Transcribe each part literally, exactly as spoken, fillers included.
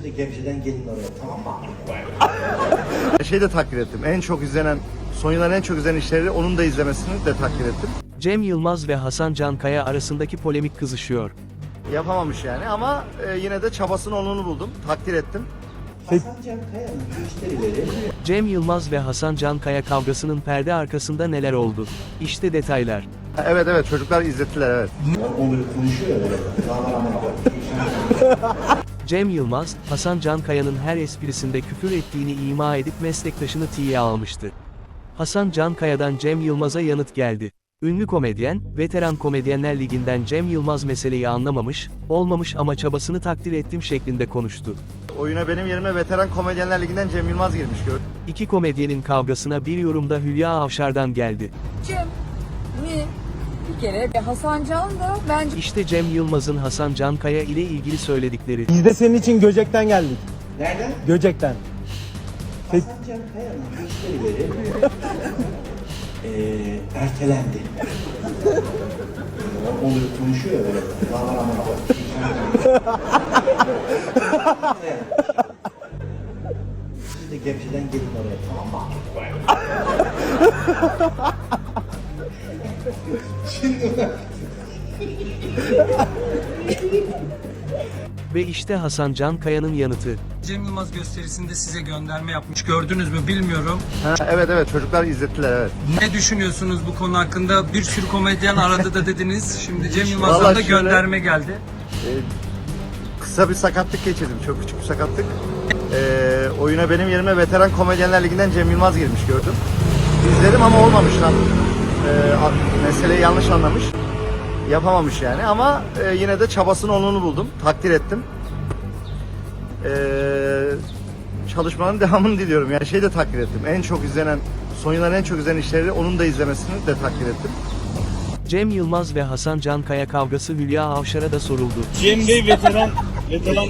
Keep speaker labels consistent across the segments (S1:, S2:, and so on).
S1: de Gebze'den gelin oraya, tamam mı?
S2: Şey de takdir ettim. En çok izlenen, son yılların en çok izlenen işleri onun da izlemesini de takdir ettim.
S3: Cem Yılmaz ve Hasan Cankaya arasındaki polemik kızışıyor.
S2: Yapamamış yani ama e, yine de çabasının onunu buldum. Takdir ettim.
S1: Hasan Can Kaya'nın müşterileri
S3: Cem Yılmaz ve Hasan Cankaya kavgasının perde arkasında neler oldu? İşte detaylar.
S2: Evet evet çocuklar izlettiler evet.
S1: onları konuşuyor ya böyle. Daha var.
S3: Cem Yılmaz, Hasan Cankaya'nın her esprisinde küfür ettiğini ima edip meslektaşını tiye almıştı. Hasan Cankaya'dan Cem Yılmaz'a yanıt geldi. Ünlü komedyen, Veteran Komedyenler Ligi'nden Cem Yılmaz meseleyi anlamamış, olmamış ama çabasını takdir ettim şeklinde konuştu.
S2: Oyuna benim yerime Veteran Komedyenler Ligi'nden Cem Yılmaz girmiş gördüm.
S3: İki komedyenin kavgasına bir yorumda Hülya Avşar'dan geldi.
S4: Cem mi bir kere ve Hasan Can da bence
S3: İşte Cem Yılmaz'ın Hasan Cankaya ile ilgili söyledikleri.
S5: Biz de senin için Göcek'ten geldik.
S1: Nereden?
S5: Göcek'ten.
S1: Hasan Can Kaya'nın müşterileri eee ertelendi. onları konuşuyor ya böyle. Daha var. Siz de Gebze'den gelin oraya, tamam mı?
S3: Ve işte Hasan Cankaya'nın yanıtı.
S6: Cem Yılmaz gösterisinde size gönderme yapmış. Gördünüz mü bilmiyorum.
S2: Ha, evet evet çocuklar izlettiler evet.
S6: Ne düşünüyorsunuz bu konu hakkında? Bir sürü komedyen aradı da dediniz. Şimdi Cem Yılmaz'dan
S2: Vallahi
S6: da
S2: şöyle-
S6: gönderme geldi.
S2: Kısa bir sakatlık geçirdim. Çok küçük bir sakatlık. Ee, oyuna benim yerime Veteran Komedyenler Ligi'nden Cem Yılmaz girmiş gördüm. İzledim ama olmamış lan. Ee, a- meseleyi yanlış anlamış. Yapamamış yani ama e, yine de çabasının onunu buldum. Takdir ettim. Ee, çalışmanın devamını diliyorum. Yani şey de takdir ettim. En çok izlenen, son yılların en çok izlenen işleri onun da izlemesini de takdir ettim.
S3: Cem Yılmaz ve Hasan Cankaya kavgası Hülya Avşar'a da soruldu.
S7: Cem Bey veteran, veteran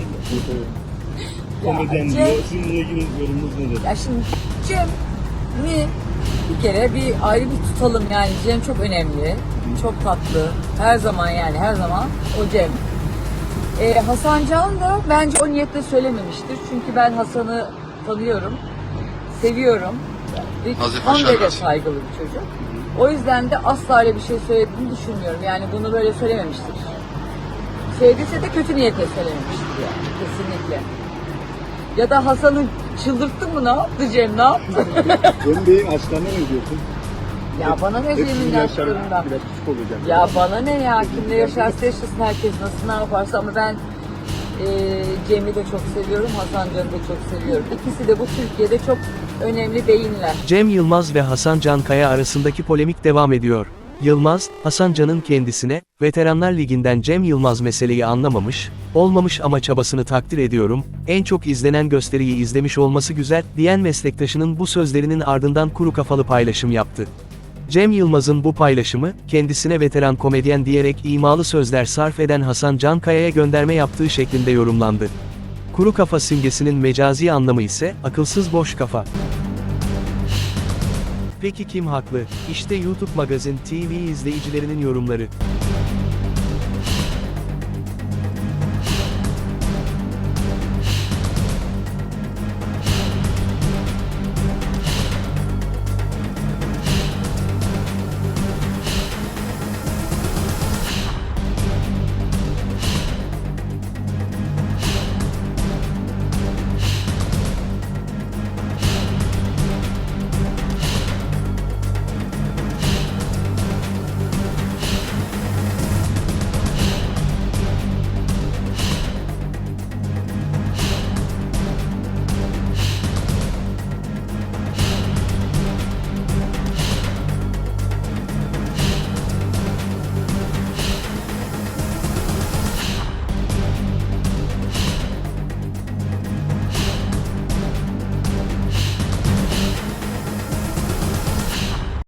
S7: komedyen
S4: Cem-
S7: diyor. Sizinle ilgili yorumunuz nedir?
S4: ya şimdi Cem mi bir kere bir ayrı bir tutalım yani Cem çok önemli, çok tatlı, her zaman yani her zaman o Cem. Ee, Hasan Can da bence o niyetle söylememiştir çünkü ben Hasan'ı tanıyorum, seviyorum ve son derece saygılı bir çocuk. O yüzden de asla öyle bir şey söylediğini düşünmüyorum. Yani bunu böyle söylememiştir. Söylediyse de kötü niyetle söylememiştir yani kesinlikle. Ya da Hasan'ı çıldırttın mı, ne yaptı Cem, ne yaptı?
S7: Cem Bey'in aşklarına ne diyorsun?
S4: Ya bana ne
S7: Hepsinin
S4: Cem'in
S7: yaşları
S4: yaşlarından?
S7: biraz küçük olacak.
S4: Ya bana ne ya, kimle yaşarsa yaşasın, herkes nasıl ne yaparsa, ama ben e, Cem'i de çok seviyorum, Hasan Can'ı da çok seviyorum. İkisi de bu Türkiye'de çok önemli beyinler.
S3: Cem Yılmaz ve Hasan Cankaya arasındaki polemik devam ediyor. Yılmaz, Hasan Can'ın kendisine, Veteranlar Ligi'nden Cem Yılmaz meseleyi anlamamış, olmamış ama çabasını takdir ediyorum, en çok izlenen gösteriyi izlemiş olması güzel, diyen meslektaşının bu sözlerinin ardından kuru kafalı paylaşım yaptı. Cem Yılmaz'ın bu paylaşımı, kendisine veteran komedyen diyerek imalı sözler sarf eden Hasan Cankaya'ya gönderme yaptığı şeklinde yorumlandı. Kuru kafa simgesinin mecazi anlamı ise, akılsız boş kafa. Peki kim haklı? İşte YouTube Magazin T V izleyicilerinin yorumları.